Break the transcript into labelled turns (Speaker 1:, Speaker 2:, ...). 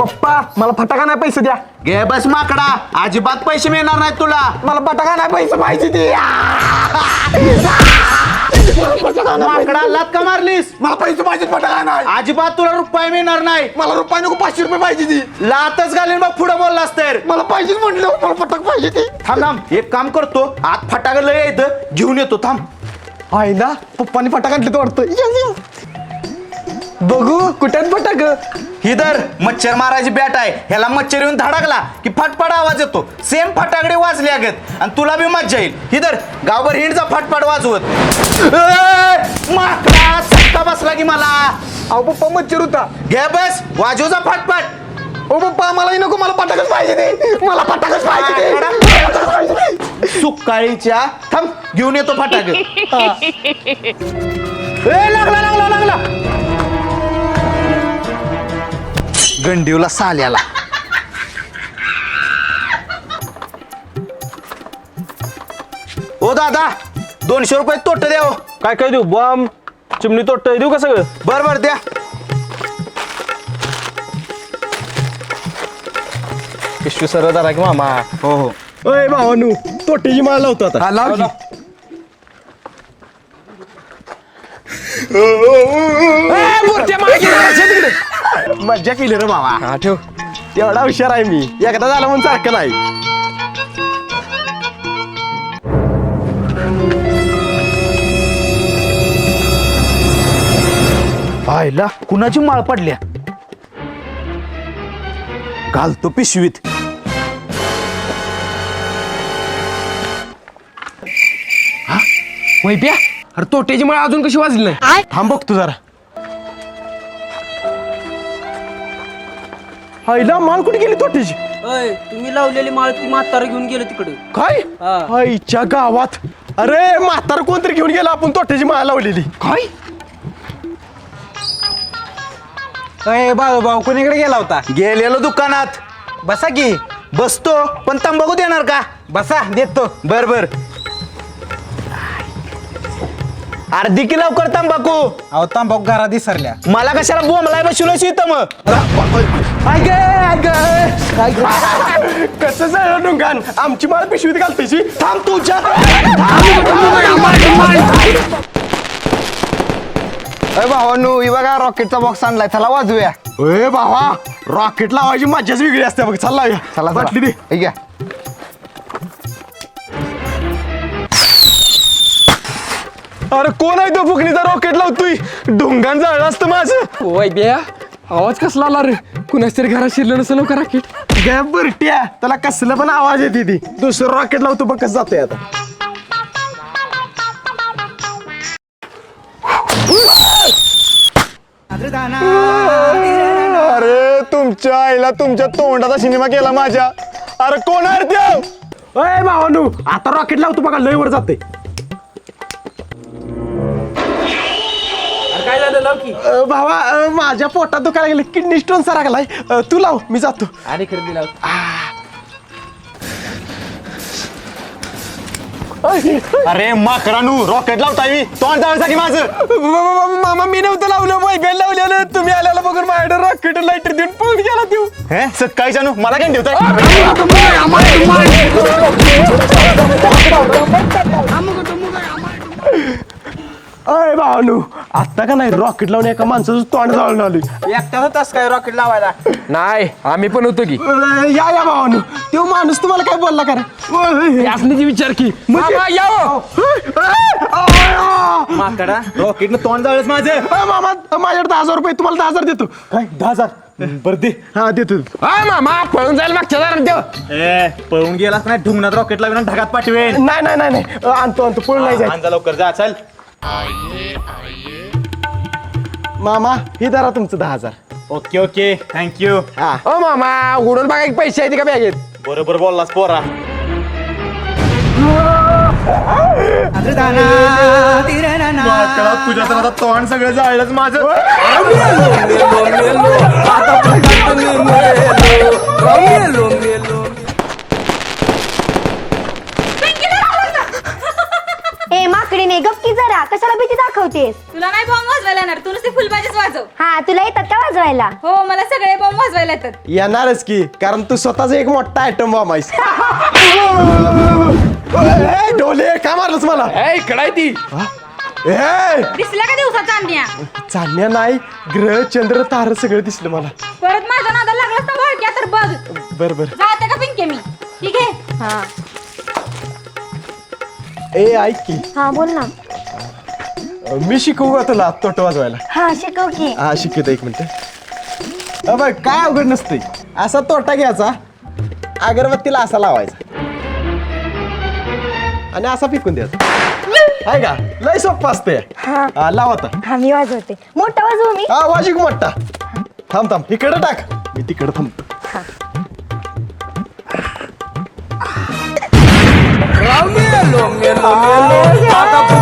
Speaker 1: पप्पा मला फटाका नाही पैसे द्या.
Speaker 2: घे बस माकडा, अजिबात पैसे मिळणार नाहीत तुला.
Speaker 1: मला फटाका नाही पैसे पाहिजे ते.
Speaker 2: माकडा लात का मारलीस?
Speaker 1: मला पैसे पाहिजे फटाका नाही.
Speaker 2: अजिबात तुला रुपये मिळणार नाही.
Speaker 1: मला रुपये नको 500 रुपये पाहिजे ती.
Speaker 2: लातच घालीन बघ पुढे बोललास तर.
Speaker 1: मला पाहिजे म्हटलं मला फटाक पाहिजे ती.
Speaker 2: थांब थांब एक काम करतो, आत फटाका लय येतं घेऊन येतो थांब.
Speaker 1: आईला पप्पानी फटाका आणले तो वाटतं. बघू कुठ्यात फटाक.
Speaker 2: हिदर मच्छर मारायची बॅट आहे, ह्याला मच्छर येऊन धडकला की फटफट आवाज येतो. सेम फटाकडे वाजले अगत आणि तुला बी मज्जा येईल. हिदर गावभर हिंडचा फटफट वाजवत. माकडा सट्टा बसला की मला.
Speaker 1: अहो पप्पा मच्छर होता.
Speaker 2: घे बस वाजवचा फटफट.
Speaker 1: ओ पप्पा मलाही नको मला फटाकच पाहिजे ते. मला फटाकच पाहिजे ते.
Speaker 2: सुकाळीच्या थांब घेऊन येतो फटाक. लागला लागला लागला गंडीवला साल्याला. ओ दादा 200 रुपये तोट द्या.
Speaker 3: काय काय देऊ बॉम्ब चिमणी तोट देऊ का सगळं?
Speaker 2: बर बर द्या.
Speaker 3: पिशवी सरळ धरा की मामा.
Speaker 2: हो हो.
Speaker 1: अय भावानू तोटेची माळ लावतो आता. लाव की. मज्जा केली रे बाबा. हा ठेव. तेवढा हुशार आहे मी. एकदा झालं म्हणून सारखं नाही.
Speaker 2: पाहिला कुणाची माळ पडल्या. घालतो पिशवीत.
Speaker 1: वैप्या अरे तोटेची माळ अजून कशी वाजली नाही. थांब बघ तू जरा. आईला माळ कुठे गेली तोटेची.
Speaker 4: अय तुम्ही लावलेली माळ ती म्हातारा घेऊन गेलो तिकडे.
Speaker 1: काय
Speaker 4: हा.
Speaker 1: आईच्या गावात. अरे म्हातार कोणतरी घेऊन गेला आपण तोटेची माळ लावलेली. काय
Speaker 4: अय भाऊ कोणीकडे गेला होता.
Speaker 2: गेलेलो दुकानात.
Speaker 4: बसा की.
Speaker 2: बसतो पण तंबाखू देणार का?
Speaker 4: बसा देतो.
Speaker 2: बर बर. अर्धी की लवकर तंबाखू.
Speaker 4: अहो तांबाखू घरात विसरल्या.
Speaker 2: मला कशाला बोंबलाय बसवलं इथं मग.
Speaker 1: कसं झालं दुकान आमची माळ पिशवीत घालतेची. थांब तुझ्या.
Speaker 2: भावानू बघा रॉकेटचा बॉक्स आणलाय, चला वाजूया.
Speaker 1: ए भावा रॉकेट लावायची मज्जाच वेगळी असते बघ. चल लावूया.
Speaker 2: चला
Speaker 1: बाटली दे.
Speaker 2: ठीक आहे.
Speaker 1: अरे कोण आहे तो फुकणीचा रॉकेट लावतोय. ढोंगान जाळलं असतं माझं.
Speaker 5: वैब्या आवाज कसला आला रे. कुणाच तरी घरात शिरलं नसेल का राकेट.
Speaker 1: गॅप बरट्या त्याला कसलं पण आवाज येते ती. दुसरं रॉकेट लावतो बघ कसं जातोय आता. अरे तुमच्या आईला तुमच्या तोंडाचा सिनेमा केला माझ्या. अरे कोण आहे त्यो. अय भावानू आता रॉकेट लावतो बघा लय वर जाते.
Speaker 4: काय झालं लाव की.
Speaker 1: भावा माझ्या पोटात दुखायला गेले. Kidney stone सारखलाय. तू लाव मी जातो.
Speaker 4: आणि खरेदी लाव.
Speaker 2: अरे माकडानू रॉकेट लावताय मी तोंड जाण्यासाठी माझं.
Speaker 1: मामा मी नव्हतं लावलं. वैब्याला लावलेलं. तुम्ही आल्याला बघून माझ्याकडे रॉकेट लाईटर देऊन पळून गेला देऊ.
Speaker 2: हे सकाळी जानू मला काय ठेवताय.
Speaker 1: अय भावानू आता का नाही रॉकेट लावून एका माणसाचं तोंड जाळून आलोय.
Speaker 4: एकटा होतास काय रॉकेट लावायला.
Speaker 5: नाही आम्ही पण होतो की.
Speaker 1: या या भावानू तो माणूस तुम्हाला काय बोलला का रे.
Speaker 5: यासनीची विचार की मामा यावं.
Speaker 2: माकडा रॉकेटनं तोंड जाळच माझं.
Speaker 1: मामा माझ्याकडे 10,000 रुपये. तुम्हाला 10,000 देतो.
Speaker 2: काय 10,000 बरं दे.
Speaker 1: हा देतो.
Speaker 5: हा मामा पळून जायला मागच्या दारात देव.
Speaker 2: ए पळून गेलास नाही ढुंगणात रॉकेट लावून ढगात पाठवेन.
Speaker 1: नाही नाही नाही नाही आणतो आणतो पळून नाही जायचं.
Speaker 2: जा लवकर जा चल.
Speaker 1: मामा ही धरा तुमचं 10,000.
Speaker 2: Okay okay thank you.
Speaker 1: हा
Speaker 5: ओ मामा उडून बघा एक पैसे आहेत का बॅगेत.
Speaker 2: बरोबर बोललास पोरा. तुझ्या तर आता तोंड सगळं जाळलंच माझं.
Speaker 6: ए माकडीने गप्की जरा कशाला भीती दाखवतेस.
Speaker 7: तुला नाही बॉम्ब वाजवायला येणार, तू नुसती फुलबाजीच वाजव.
Speaker 6: हा तुला येतात का वाजवायला?
Speaker 7: हो मला सगळे बॉम्ब वाजवायला येतात.
Speaker 3: येणारच की कारण तू स्वतःच एक मोठा आयटम बॉम्ब आहेस. ए, डोले का मारलंस मला?
Speaker 5: इकडे ती
Speaker 3: ए,
Speaker 7: दिसला का दिवसा चांदण्या?
Speaker 3: चांदण्या नाही, ग्रह चंद्र तार सगळं दिसलं मला.
Speaker 7: परत माझ्या नादा लागलास ना वळक्या तर बघ.
Speaker 3: बर बर.
Speaker 7: जाते का पिंके मी? ठीक आहे.
Speaker 6: हा
Speaker 3: ए ऐक की,
Speaker 6: हा बोल ना.
Speaker 3: मी शिकवू का तुला तोट वाजवायला?
Speaker 6: हा शिकव की.
Speaker 3: हा शिकवतो, एक मिनिट. बघ काय अवघड नसते. असा तोटा घ्यायचा, अगरबत्तीला असा लावायचा आणि असा फेकून द्यायचा. आहे का? लय सोपं असते.
Speaker 6: हा
Speaker 3: लाव आता.
Speaker 6: हा मी वाजवते. मोठा वाजवू मी?
Speaker 3: हा वाजिक मोठा. थांब थांब, इकडे टाक, मी तिकडे थांबतो.
Speaker 5: मेलो मेलो मेलो